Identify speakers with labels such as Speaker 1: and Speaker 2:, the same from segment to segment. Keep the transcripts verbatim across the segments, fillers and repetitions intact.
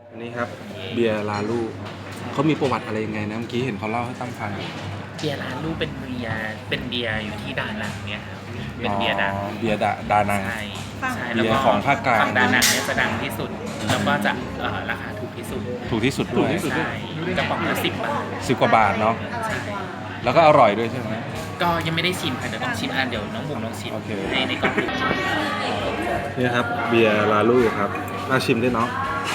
Speaker 1: อันนี้ครับเบียร์ลาลูเขามีประวัติอะไรยังไงนะเมื่อกี้เห็นเขาเล่าให้ตั้มฟัง
Speaker 2: เบียร์ร้านลูกเป็นเบียร์เป็นเบียร์อยู่ที่ดานังเนี่ยครับเป็นเบียร์ดัง
Speaker 1: อ๋อเบียร์ดาดานัง
Speaker 2: ใช่ใช่
Speaker 1: เบียร์ของภาคกลาง
Speaker 2: ฝั่งดานังเนี่ยจะดังที่สุด แล้วก็จะเอ่อราคาถูกที่สุด
Speaker 1: ถูกที่สุดด้วย
Speaker 2: ใช่กระป๋องละสิบบาท
Speaker 1: สิบกว่าบาทเนาะแล้วก็อร่อยด้วยใช่ไหม
Speaker 2: ก็ยังไม่ได้ชิมค่ะเดี๋ยวต้องชิมอ่ะเดี๋ยวน้องบุ๋มลองชิม
Speaker 1: โอเค
Speaker 2: ในในกล่อง
Speaker 1: นี่ครับเบียร์ลาลูครับน่าชิมด้วยเนาะ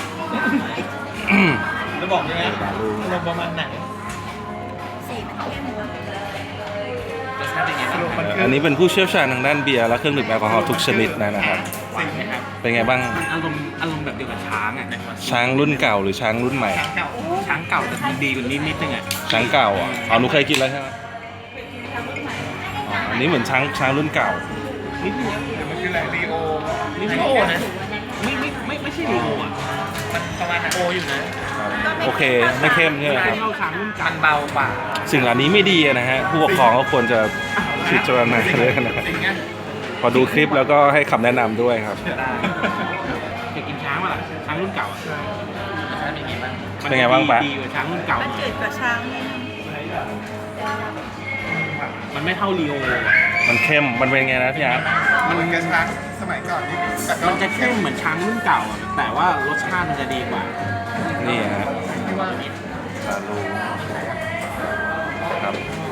Speaker 2: จะบอกยังไง
Speaker 1: ลาลู
Speaker 2: ลงประมาณไหน
Speaker 3: สีมันเข้ม
Speaker 2: รสชาติเป็นไงบ้างครับ
Speaker 1: อันนี้เป็นผู้เชี่ยวชาญทางด้านเบียร์และเครื่องดื่มแอลกอฮอล์ทุกชนิดนะครับ
Speaker 2: หวานไหมครับ
Speaker 1: เป็นไงบ้าง
Speaker 2: มันอารมณ์อารมณ์แบบเดียวกับช้างอ่ะ
Speaker 1: ช้างรุ่นเก่าหรือช้างรุ่นใหม่
Speaker 2: ช้างเก่าช้างเก่าแต่มันดีกว่านิดนิดนึงอ่ะ
Speaker 1: ช้างเก่าอ่ะอ๋อหนูเคยกินแล้วใช่ไหมอ๋ออันนี้เหมือนช้างช้างรุ่นเก่า
Speaker 2: นิดนึงมันคืออะไรรีโอรีโอนะไม่ไม่ไม่ไม่ใช่รีโออ่ะมันประมาณโออยู่นะ
Speaker 1: โอเคไม่เข้มใช่ไหมครับ
Speaker 2: เข้าช้างรุ่นเก่ามันเบากว่า
Speaker 1: สิ่งเหล่านี้ไม่ดีนะฮะผู้ปกครองก็ควรจะพิจารณาเลยนะ
Speaker 2: สิ่งเงี้ย
Speaker 1: พอดูคลิปแล้วก็ให้คำแนะนำด้วยครับ
Speaker 2: เคยกินช้างป่ะล่ะช้างรุ่นเก่าอ่ะช้างเป็นไงบ้าง
Speaker 1: เป็นไงบ้างปะ
Speaker 2: ดีกว่าช้างรุ่นเก่า
Speaker 3: มันจืดกว่าช้างนิดนึง
Speaker 2: มันไม่เท่ารีโอ
Speaker 1: มันเข้มมันเป็นไงนะพี่อาร์ต
Speaker 4: มันกระช้างสมัยก่อนนี่แต่ก็
Speaker 2: มันจะเข้มเหมือนช้างรุ่นเก่าอ่ะแต่ว่ารสชาติมันจะดีกว่า
Speaker 1: นี่ฮะ
Speaker 2: ที่ว่า
Speaker 1: ลาลูครับ